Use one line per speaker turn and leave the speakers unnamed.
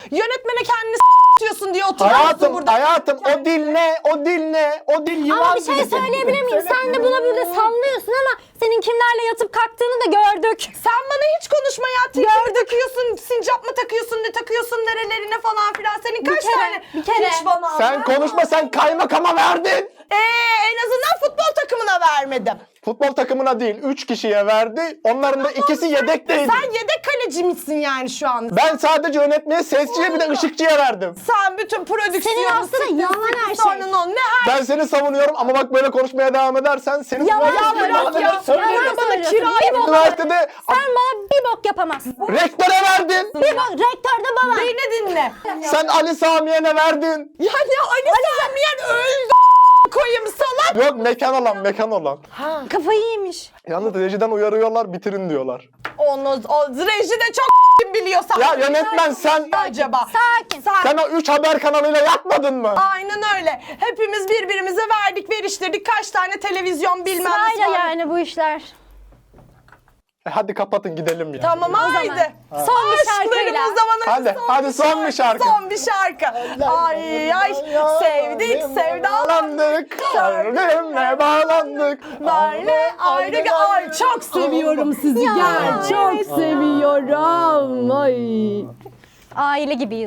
Yönetmene kendini diyorsun diye oturuyorsun burada.
Hayatım o dil ne? O dil ne? O dil yılan
Ama bir şey
dili.
söyleyebilir miyim? Sen de buna burada sallıyorsun ama senin kimlerle yatıp kalktığını da gördük.
Sen bana hiç konuşma ya. Tişört takıyorsun, sincap mı takıyorsun, ne takıyorsun nerelerine falan filan. Senin kaç tane?
Bir kere.
Hiç bana
Sen konuşma, sen kaymakama verdin.
En azından futbol takımına vermedim.
Futbol takımına değil, 3 kişiye verdi. Onların da ikisi yedekteydi.
Sen yedek kaleci misin yani şu an?
Ben sadece yönetmeye, sesçiye bir de ışıkçıya verdim.
Sen bütün prodüksiyonu...
Senin aslında yalan her şey.
Sonun o. Ne her...
Ben seni savunuyorum ama bak böyle konuşmaya devam edersen senin
Yalan
üniversitede
söylüyorsun.
söylerim.
Yalan
bana
söylüyorsun.
kirayı
Bir bok-
Üniversitede
Sen bana bir bok yapamazsın.
rektöre verdin.
Bir bok. Rektör de bana.
Beni dinle.
Sen Ali Samiye'ne verdin.
Ya ne Ali Samiyen öldü koyayım salak.
Yok, mekan olan.
Kafayı yemiş.
Yalnız rejiden uyarıyorlar, bitirin diyorlar.
O reji de çok biliyorsan.
Ya yönetmen sen
Acaba.
Sakin.
sen o 3 haber kanalıyla yapmadın mı?
Aynen öyle. Hepimiz birbirimize verdik, veriştirdik. Kaç tane televizyon bilmem ne.
Sırayla yani bu işler.
Hadi kapatın gidelim ya.
Tamam haydi.
Son bir şarkıyla.
Aşklarımız zamanı
Hadi son bir şarkı.
Son bir şarkı. Ay sevdik sevdalandık.
Kalbimle bağlandık.
Böyle ayrı. Ay çok seviyorum sizi.
Ya,
Gel çok seviyorum. Ay.
Aile gibiyiz.